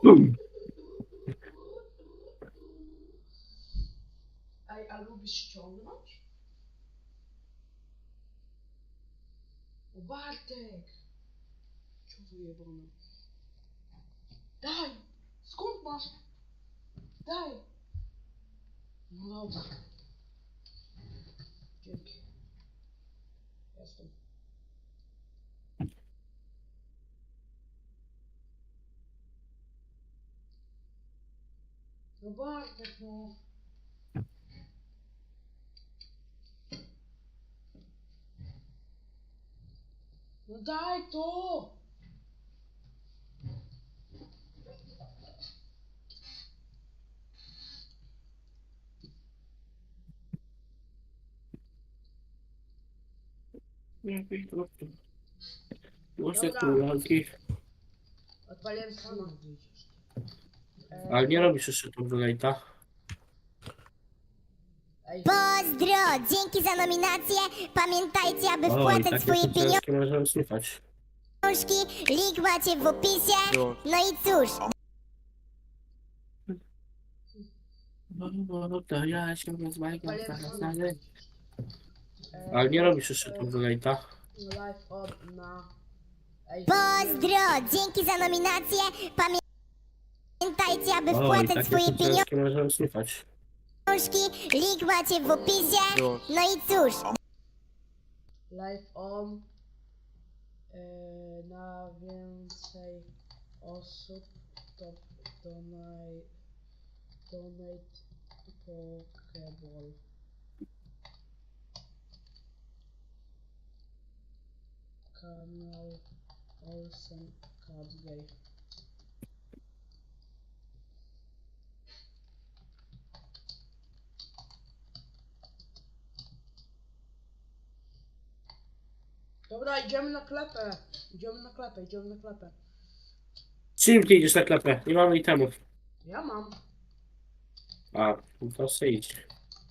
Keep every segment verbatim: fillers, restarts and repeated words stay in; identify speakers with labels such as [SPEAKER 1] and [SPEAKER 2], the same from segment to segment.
[SPEAKER 1] Ej, a lubisz ściągnąć? O Bartek! Co wyjebane? Daj! Skąd masz? Daj! No dobra. Dzięki. Jestem. No Bartek, no. No daj to!
[SPEAKER 2] Muszę
[SPEAKER 1] Dobra.
[SPEAKER 2] tu walki.
[SPEAKER 1] Odpaliłem streama. E,
[SPEAKER 2] Ale nie robisz jeszcze tu donata.
[SPEAKER 1] Ej,
[SPEAKER 3] Pozdro! Dzięki za nominację. Pamiętajcie, aby
[SPEAKER 2] O, i
[SPEAKER 3] wpłacać
[SPEAKER 2] takie
[SPEAKER 3] swoje
[SPEAKER 2] sukcesy możemy słuchać.
[SPEAKER 3] pieniążki. Link macie w opisie. No i cóż,
[SPEAKER 2] No, no, to ja się rozmawiam
[SPEAKER 1] odpaliłem
[SPEAKER 2] zaraz
[SPEAKER 1] streama.
[SPEAKER 2] dalej.
[SPEAKER 1] E,
[SPEAKER 2] Ale nie robisz jeszcze tu donata.
[SPEAKER 1] Live od na... Ej,
[SPEAKER 3] pozdro! Dzięki za nominację. Pamiętajcie, aby
[SPEAKER 2] O, i
[SPEAKER 3] wpłacać
[SPEAKER 2] takie
[SPEAKER 3] swoje
[SPEAKER 2] sukcesy możemy słuchać.
[SPEAKER 3] pieniążki. Link macie w opisie. No i cóż,
[SPEAKER 1] live on. E, na więcej osób to donate, donate Pokeball. Kanał Olsen Cadgay. Dobra, idziemy na klepę. Idziemy na klepę, idziemy na klepę.
[SPEAKER 2] Czym ty idziesz na klepę? Nie mamy itemów.
[SPEAKER 1] Ja mam.
[SPEAKER 2] A, no to se idź.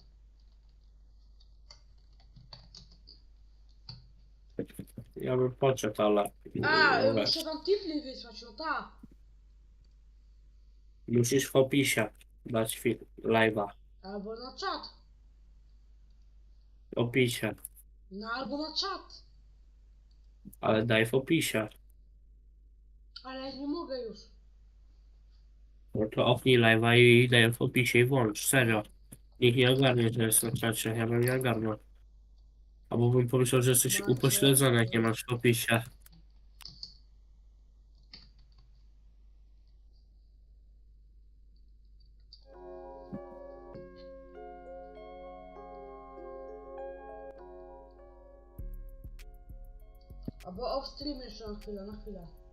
[SPEAKER 2] Ja bym poczekł, ale...
[SPEAKER 1] A,
[SPEAKER 2] no
[SPEAKER 1] muszę
[SPEAKER 2] weź.
[SPEAKER 1] wam tipli wysłać, no tak.
[SPEAKER 2] Musisz w opisie dać film, live'a.
[SPEAKER 1] Albo na czat.
[SPEAKER 2] W opisie.
[SPEAKER 1] No albo na czat.
[SPEAKER 2] Ale daj w opisie.
[SPEAKER 1] Ale nie mogę już.
[SPEAKER 2] No to opnij live'a i daj w opisie i włącz. Serio. Nikt nie ogarnie, że jest na czacie. Ja bym nie ogarnął. Albo bym pomyślał, że jesteś
[SPEAKER 1] Macie-
[SPEAKER 2] upośledzony, jak nie masz w opisie.
[SPEAKER 1] Albo off stream jeszcze na chwilę, na chwilę.